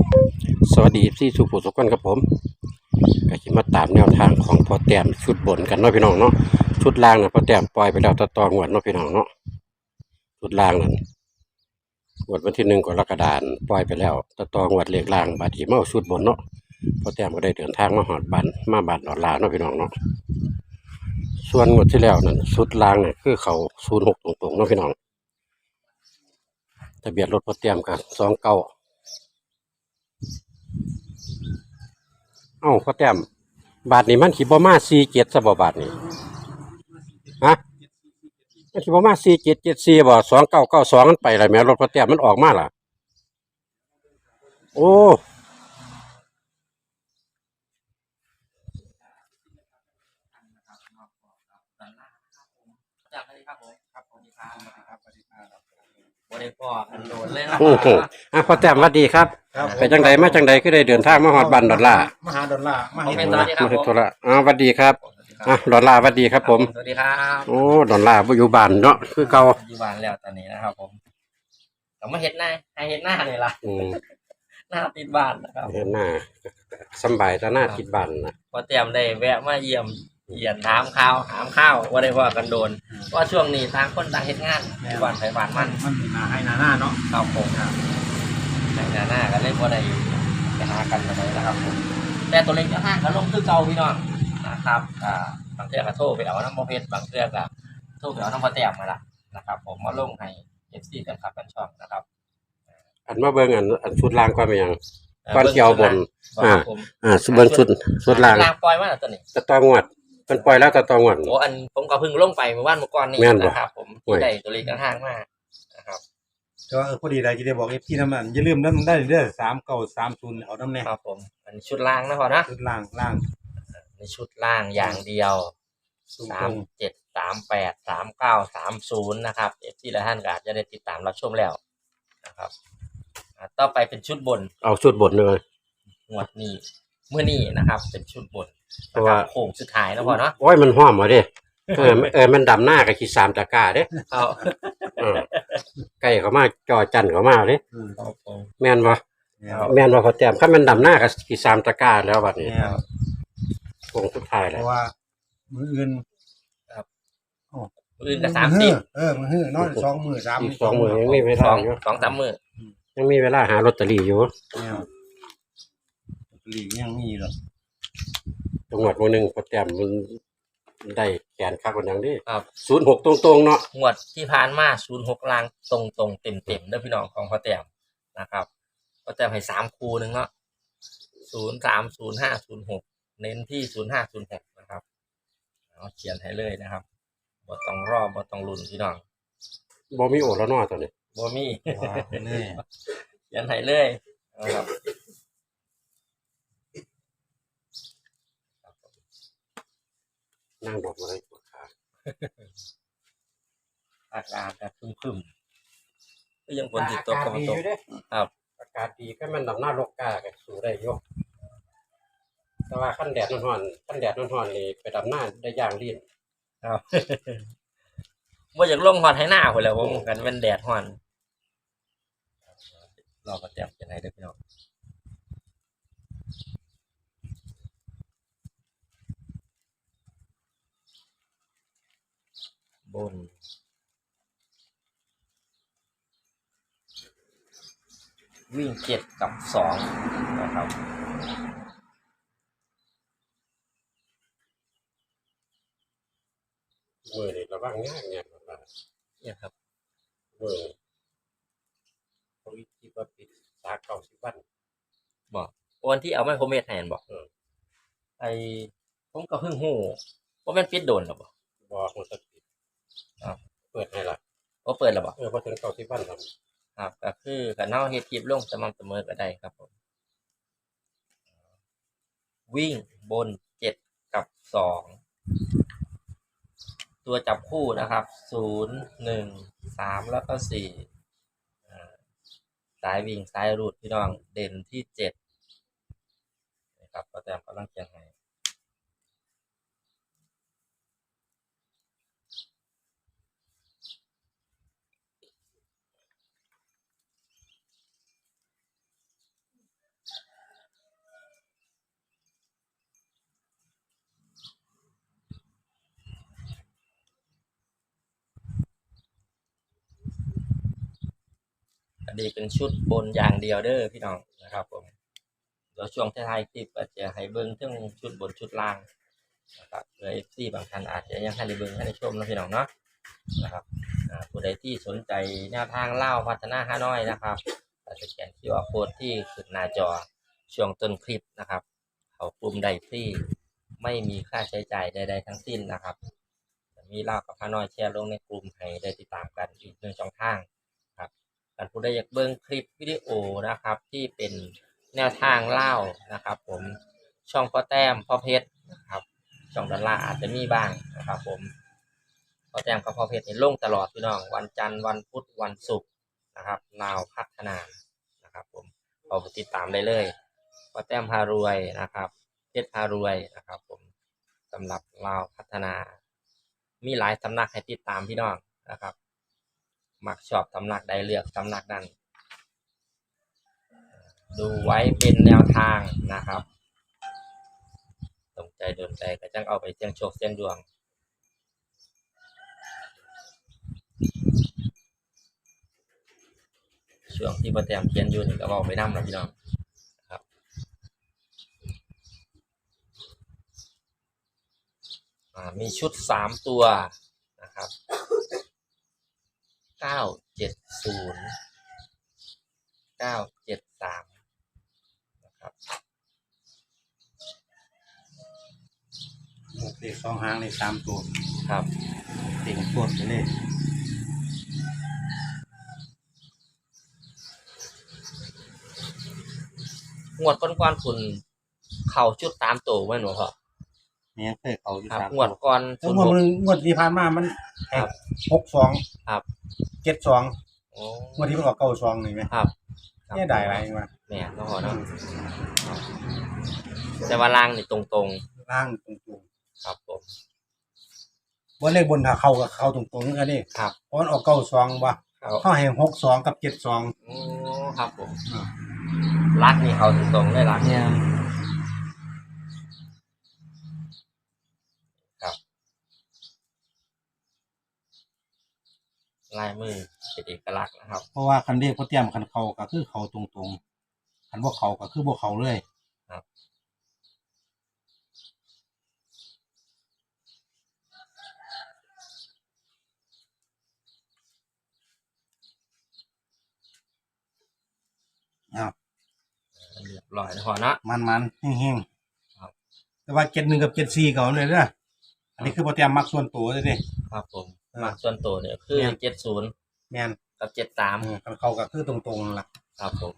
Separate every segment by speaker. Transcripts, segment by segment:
Speaker 1: สวัสดีที่สุภูสุกันครับผมก็จะมาตามแนวทางของพอแต้มชุดบนกันเนาะพี่น้องเนาะชุดล่างนะพอแต้มปล่อยไปแล้วต่องวดเนาะพี่น้องเนาะชุดล่างนั่นงวดวันที่1 กรกฎาคมปล่อยไปแล้วต่องวดเลขล่างบาดนีมาเอาชุดบนเนาะพอแต้มก็ได้เดินทางมาหอดบันมาบันดอลลาร์เนาะพี่น้องเนาะส่วนงวดที่แล้วนั่นชุดล่างเนี่ยคือเขา06ตรงๆเนาะพี่น้องทะเบียนรถพอแต้มกับ29เอ้าพอแต้มบาทนี้มันขีบ่มา47ซะบ่บาทนี้ฮะ มันสิประมาณ4774บ่2992มันไปแล้วแหม่รถพอแต้มมันออกมาล่ะโอ้
Speaker 2: จากสวัสดีครับผมครับสวัสดีครับสวัสดีครับบริพอกันโดนเลยนะ
Speaker 1: โอ้โหพอแต้มสวัสดีครับไปจังใดมาจังใดคือได้เดินทางมาฮอดบ้านดอลลาร์
Speaker 3: มหาดอลลาร์ม
Speaker 2: ผม
Speaker 3: หา
Speaker 2: เป็น
Speaker 3: ด
Speaker 2: ส
Speaker 3: อล
Speaker 2: วั
Speaker 3: ลา
Speaker 2: ส
Speaker 3: ร์
Speaker 2: ดีครับผม
Speaker 1: สวัสดีสวัสดีครับดอลลาร์สวัสดีครับผม
Speaker 2: สวัสดีครับ
Speaker 1: โอ้ดอลลาร์บ่อยู่บ้านเนาะคือเก่า
Speaker 2: อยู่บ้านแล้วตอนนี้นะครับผมแต่มาเห็นหน้าให้เห็นหน้าเลยล่ะ
Speaker 1: อืม
Speaker 2: หน้าติดบ้านนะครับ
Speaker 1: เห็นหน้าสำบายแต่หน้าติดบ้านนะ
Speaker 2: พอเตรียมได้แวะมาเยี่ยมเยียนถามข้าวว่าได้ว่ากันโดนว่าช่วงนี้ต่างคนต่างเฮ็ดงานอยู่บ้านไผบ้านมัน
Speaker 3: มันหนาให้หนาหน้าเนาะ
Speaker 2: ครับผมในหน้าก็เลยบ่ได้ไปหากันอะไรนะครับผมแต่ตัวเล็กจะห้างก็ลงคือเก่าพี่น้องนะครับบางเทื่อก็โทรไปเอาน้ำมเพชรบางเทื่อก็โทรไปเอาน้ำพอแต้มมาละนะครับผมมาลงให้ FC กันครับกันช่องนะครับ
Speaker 1: อันมาเบิ่งอันชุดล่างก่อนเป็นหยังก่อนสิเอาบน
Speaker 2: ผม
Speaker 1: เบิ่งชุดล่าง
Speaker 2: ล่างปล่อยมาแล้วตัวนี้
Speaker 1: ต่องวดเพิ่นปล่อยแล้วต่องวด
Speaker 2: โอ้อันผมก็เพิ่งลงไปเมื่อวานเมื่อก่อนนี้
Speaker 1: แม่นบ่
Speaker 2: นะครับผมที่ได้ตัวเล็กกระห้างมากนะครับ
Speaker 3: แต่ว่าพอดีเลยจะได้บอกพี่น้ำมันอย่าลืมน้ำได้เด้อ3930เอาน้ำแน่
Speaker 2: ครับผมอันชุดล่างนะพอนะ
Speaker 3: ชุดล่าง
Speaker 2: ในชุดล่างอย่างเดียว37383930นะครับที่ละท่านก็อาจจะได้ติดตามรับชมแล้วนะครับต่อไปเป็นชุดบน
Speaker 1: เอาชุดบนเลย
Speaker 2: งวดนี้เมื่อนี้นะครับ เป็นชุดบน
Speaker 1: เพราะว่า
Speaker 2: โค้งสุดท้ายนะพอเนาะ
Speaker 1: โอ้ยมันหอมมาเด้มันดำหน้ากับขี้3ตะกร้าเด้
Speaker 2: เอา
Speaker 1: ไก่เขามาจอจันเขามาเด้
Speaker 2: ครับผม
Speaker 1: แม่นบ่
Speaker 3: แล้ว
Speaker 1: แม่นบ่เขาแต้มคันมันดำหน้ากับขี้3ตะกร้าแล้วบัดนี้
Speaker 3: แล้ว
Speaker 1: คงสุดท้าย
Speaker 3: เพ
Speaker 1: แล้ว
Speaker 3: ราะว่ามืออื่น
Speaker 2: อื่นก็30
Speaker 3: มือหื้อนอน2 มื้อ3
Speaker 1: อีก2มื้อยังมีเวลาอยู่
Speaker 2: 2-3 มื้อ
Speaker 1: ยังมีเวลาหาลอตเตอรี่อยู่
Speaker 3: แล้วหลีกยังมีหรอก
Speaker 1: จังหวัดมื้อนึงเขาแต้มมันได้แขนคักกว่าหยังดิ
Speaker 2: ครับ
Speaker 1: 06ตรงๆเนาะ
Speaker 2: งวดที่ผ่านมา06ล่างตรงๆเต็มๆเด้อพี่น้องของพ่อแต้มนะครับพ่อแต้มให้3คู่นึงเนาะ030506เน้นที่0506นะครับเอาเขียนให้เลยนะครับบ่ต้องรอบ่ต้องลุ้นพี่น้อง
Speaker 1: บ่มีโอแล้วเนาะตอนนี้
Speaker 2: บ่มี
Speaker 3: ว่าแน่
Speaker 2: เขียนให้เลยนะครับ
Speaker 1: นั่งดอกอะไรปวดขา
Speaker 2: อากาศก็ครึมๆก็ยังฝนสิตกก็บ่ตกครับ
Speaker 1: อากาศดีก็มันดำหน้าโลกกาก็สู้ได้อยู่แต่ว่าคันแดดร้อนนี่ไปดำหน้าได้อย่างลิ้น
Speaker 2: ครับบ่อยากลงฮอดให้หน้าพุ่นแหล้วผมกันเป็นแดดร้อนรอพ่อแต้มเขียนให้เด้อพี่น้องบนวิ่ง7กับ2นะครับ
Speaker 1: มือนี่ระวังง่ายเนี่ยว่า
Speaker 2: เนี่ยครับ
Speaker 1: มือเขาคิดว่าปิด30วัน
Speaker 2: บอกวันที่เอาไม้โครเมทแทนบอก ไอผมก็เพิ่งหูว่ามันปิดโดนหรอบ่
Speaker 1: บอกมันจะปิด
Speaker 2: ครับ
Speaker 1: เปิดให้ละ
Speaker 2: ว่าเปิดหรอบ่
Speaker 1: พอถึง90วันครับ
Speaker 2: ครับก็คือกันเฮาเฮ็ดคลิปลงสม่ำเสมอก็ได้ครับผมวิ่งบน7กับ2ตัวจับคู่นะครับ0 1 3แล้วก็4สายวิ่งสายรูดพี่น้องเด่นที่7นะครับก็แต้มกำลังเขียนให้อันนี้เป็นชุดบนอย่างเดียวเด้อพี่น้องนะครับผมเดี๋ยวช่วงท้ายๆคลิปก็จะให้เบิ่งทั้งชุดบนชุดล่างนะครับเผื่อ FC บางท่านอาจจะยังให้ได้เบิ่งให้ได้ชมนะพี่น้องเนาะนะครับผู้ใดที่สนใจแนวทางเล่าพัฒนาฮานอยนะครับสแกน QR Code ที่ขึ้นหน้าจอช่วงต้นคลิปนะครับเขากลุ่มใดที่ไม่มีค่าใช้จ่ายใดๆทั้งสิ้นนะครับมีเล่ากับฮานอยแชร์ลงในกลุ่มให้ได้ติดตามกันอีกหนึ่งช่องทางครับการผู้ใดอยากเบิ่งคลิปวิดีโอนะครับที่เป็นแนวทางเล่านะครับผมช่องพ่อแต้มพ่อเพชรนะครับช่องดอลลาร์อาจจะมีบ้างนะครับผมพ่อแต้มกับพ่อเพชรนี่ลงตลอดพี่น้องวันจันทร์วันพุธวันศุกร์นะครับลาวพัฒนานะครับผมเอาไปติดตามได้เลยพ่อแต้มพารวยนะครับเพชรพารวยนะครับผมสำหรับลาวพัฒนามีหลายสำนักให้ติดตามพี่น้องนะครับมักชอบสำนักใดเลือกสำนักนั้นดูไว้เป็นแนวทางนะครับสนใจโดนใจก็จังเอาไปเสี่ยงโชคเสี่ยงดวงช่วงที่พ่อแต้มเขียนอยู่นี่ก็บอกไปนำแล้วพี่น้องครับมีชุด3ตัวนะครับ970 973นะครับ
Speaker 3: เลข2หางเลข3ตัว
Speaker 2: ครับ
Speaker 3: เต็งตัวไปเลย
Speaker 2: งวดก่อนๆคุณเข่าชุด3ตัวแม่นบ่พ่อ
Speaker 3: เนี่ยเคยเขาอยู่
Speaker 2: ครับ
Speaker 3: 3
Speaker 2: งวดก่อน
Speaker 3: แต่งวดที่ผ่านมามันแตก62
Speaker 2: ครับ
Speaker 3: 72
Speaker 2: โอ้
Speaker 3: งวดที่มันออก92นี่แหม
Speaker 2: ครับ
Speaker 3: เนี่ยได้หลายว่า
Speaker 2: แม่นเนาะพ่อเนาะแต่ว่าล่างนี่ตรง
Speaker 3: ล่างตรง
Speaker 2: ๆครับผม
Speaker 3: ๆบ่เลขบนถ้าเข้าก็เข้าตรงๆกันนี่
Speaker 2: ครับ
Speaker 3: เพราะมันออก92บ่
Speaker 2: ครับ
Speaker 3: เฮาให้62กับ72
Speaker 2: โอ้ครับผมลักนี่เขาตรงๆเลยลัก
Speaker 3: เนี่ย
Speaker 2: ลายมือเป็นเอกลักษณ์นะครับ
Speaker 3: เพราะว่าคันเลขบ่เตรียมคันเข้าก็คือเข้าตรงๆคันบ่เข้าก็คือบ่เข้าเลย
Speaker 2: ครับ
Speaker 3: อ้าว
Speaker 2: เรียบร้อยนะพ่อเนาะ
Speaker 3: มันๆเฮง
Speaker 2: ครับ
Speaker 3: ๆแต่ว่า71กับ74ก็เอาเลยเด้ออันนี้คือบ่เตรียมมักส่วนตัวเลยเด้
Speaker 2: ครับผมมาส่วนตัวเนี่ยคือ
Speaker 3: เนี่ย
Speaker 2: 70
Speaker 3: แม่น
Speaker 2: กับ73
Speaker 3: คันเข้าก็คือตรงๆนั่นล่ะ
Speaker 2: ครับผม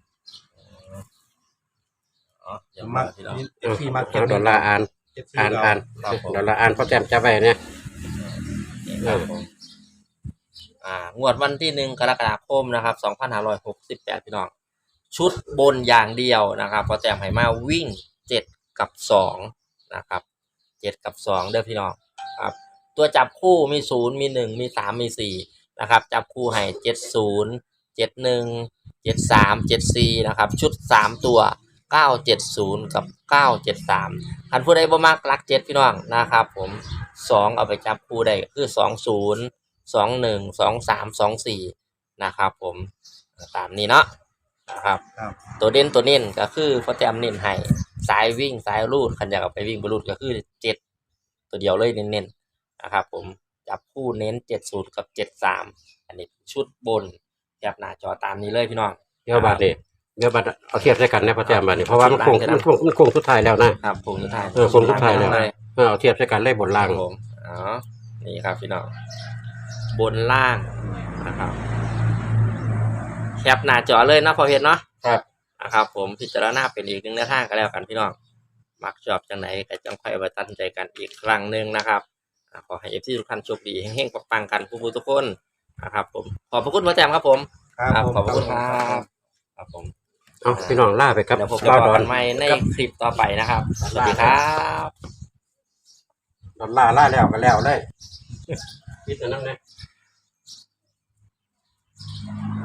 Speaker 2: เดี๋ยว
Speaker 3: มั
Speaker 2: มาก พี่น้อง
Speaker 3: ที่มัก
Speaker 1: เอาดอลลาร์อ่าน
Speaker 3: 74
Speaker 1: อ่าน
Speaker 2: ครับผม
Speaker 1: ดอลลาร์อ่านพ่อแต้มจับไว้เนี่ย
Speaker 2: ครับผมงวดวันที่1 กรกฎาคมนะครับ2568พี่น้องชุดบนอย่างเดียวนะครับพอแต้มให้มาวิ่ง7กับ2นะครับ7กับ2เด้อพี่น้องครับตัวจับคู่มี0มี1มี3มี4นะครับจับคู่ให้70 71 73 74นะครับชุด3ตัว970กับ973คันผู้ใดบ่มักหลัก7พี่น้องนะครับผม2เอาไปจับคู่ได้ก็คือ20 21 23 24นะครับผมตามนี้เนาะนะครับ
Speaker 3: ครับ
Speaker 2: ตัวเด่นตัวเน้นก็คือพอแต้มเน้นให้สายวิ่งสายรูดคันอยากเอาไปวิ่งบรูดก็คือ7ตัวเดียวเลยเน้นๆนะครับผมจับคู่เน้น70กับ73อันนี้ชุดบนแคปหน้าจอตามนี้เลยพี่น้อง
Speaker 1: เดี๋ยวบัดนี้เดี๋ยวบัดเอาเทียบใส่กันนะพ่อแต้มบัดนี้เพราะว่ามันโค้งสุดท้ายแล้วนะครับ
Speaker 2: ผมสุดท้าย
Speaker 1: โค้งสุดท้ายแล้วเอาเทียบใส่กันเลยบนล่าง
Speaker 2: ครับผมนี่ครับพี่น้องบนล่างนะครับแคปหน้าจอเลยนะพอเห็นเนาะ
Speaker 1: ครับ
Speaker 2: นะครับผมพิจารณาเป็นอีกหนึ่งแนวทางก็แล้วกันพี่น้องมักชอบจังไหนก็จังค่อยไปตัดสินใจกันอีกครั้งหนึ่งนะครับขอให้เอฟซีทุกท่านโชคดีเฮงๆปังๆกันผู้ทุกคนนะครับผมขอบพระคุณพระแจมครับผม
Speaker 3: ครับ
Speaker 2: ขอบพระคุณครับครับผม
Speaker 1: เอาพี่น้องล่าไปครับ
Speaker 2: เดี๋ยวผมจะ
Speaker 1: ด
Speaker 2: บ
Speaker 1: อ
Speaker 2: อก
Speaker 1: น
Speaker 2: กันใหม่ในคลิปต่อไปนะครับสวัสดีครับ
Speaker 1: ดอลลาร์ล่าแล้วก็แล้วเลยคิดอันนั้นนะ